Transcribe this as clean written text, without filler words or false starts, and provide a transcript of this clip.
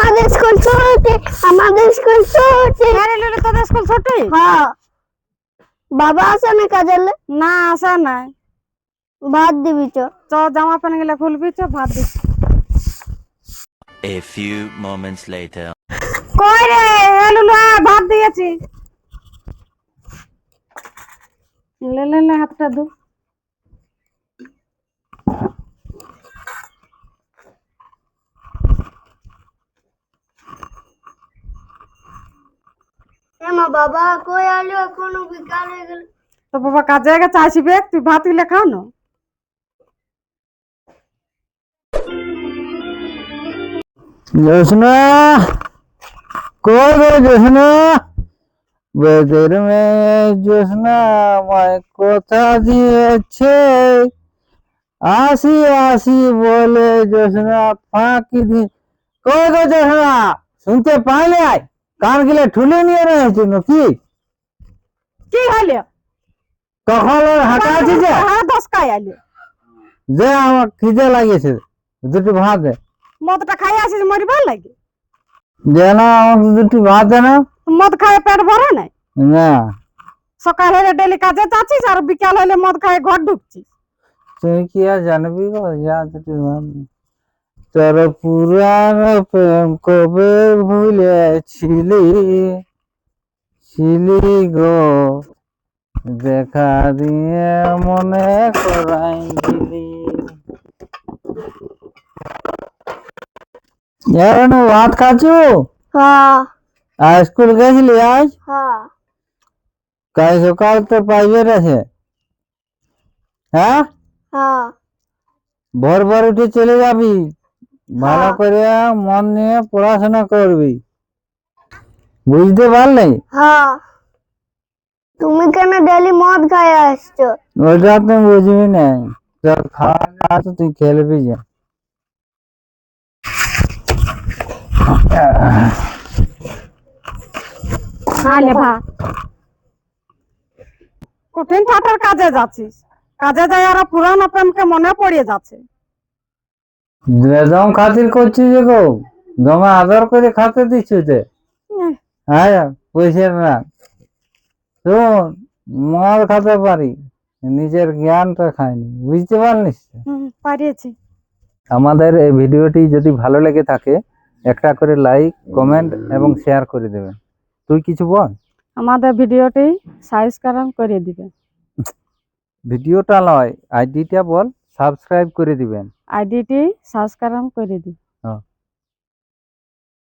আমাদের স্কুল ছুটি, আমাদের স্কুল ছুটি। আরে লুলি তোদের স্কুল ছুটি? হ্যাঁ। বাবা আসে না কাজের? না আসা নাই। ভাত দিবি চ। জামা প্যান্ট গুলা খুলবি, ভাত দিচ্ছি। A few moments later. কই রে লুলু, ভাত দিয়েছি। লে লে লে হাতটা ধু। মা বাবা কই আলো, এখনো বিকাল হয়ে গেল। তো বাবা কাজে গেছে, আসবে, তুই ভাত গুলা খা না। জোসনা কই গো জোসনা, বেদের মেয়ে জোসনা আমায় কথা দিয়েছে, আসি আসি বলে জোসনা ফাঁকি দি। কই গো জোসনা, শুনতে পাইলে? কান গিলে ঠুলে নিয়ে রয়েছে নাকি? কি হলো? কখন হাঁটা আছে যে? হ্যাঁ 10 কাই আলো। যে আমার খিদে লাগিয়েছে, দুটো ভাত দে। মদটা খাই আসিস মরিবার লাগে? যে না, আমাকে দুটো ভাত দে না। মদ খায় পেট ভরে নাই? না, সকাল হলে ডেলি কাজে যাচ্ছিস, আর বিকাল হলে মদ খায় ঘর ঢুকছিস। তুই কি আর জানবি গো, যা দুটো ভাত দে। তোর পুরানো প্রেম কবে ভুলেছিলি, ছিলি গো দেখা দিয়ে মনে করাই দিলি। এখন ভাত খাচ্ছু? হ্যাঁ আর স্কুল গেছিলি আজ? হ্যাঁ। কাল সকাল তো প্রাইভেট আছে। হ্যাঁ, হ্যাঁ ভোর ভোর উঠে চলে যাবি, ভালো করে মন নিয়ে পড়াশোনা করবি, বুঝতে পারলি? হ্যাঁ। তুমি কেন ডেলি মদ খাই আসছো? ওটা তুই বুঝবি না, তোর খাওয়া খাওয়া তো তুই খেলবি যা। আলে ভাত। কঠিন ঠাটার কাজে যাচ্ছিস, কাজে যাই আর পুরানো প্রেমকে মনে পড়িয়ে যাচ্ছে। বেদম খাতির করছিস যে গো, দমে আদর করে খাতে দিচ্ছিস তে। হ্যাঁ পয়সা না, শোন, মদ খাতে পারি, নিজের জ্ঞানটা খাইনি, বুঝতে পারলিস? পারিয়েছি। আমাদের এই ভিডিওটি যদি ভালো লেগে থাকে, একটা করে লাইক, কমেন্ট এবং শেয়ার করে দেবেন। তুই কিছু বল। আমাদের ভিডিওটি সাবস্ক্রাইব করে দিবেন। ভিডিওটা নয়, আইডিটা বল, সাবস্ক্রাইব করে দিবেন। আইডিটি সাবস্ক্রাইব করে দিবেন। হ্যাঁ।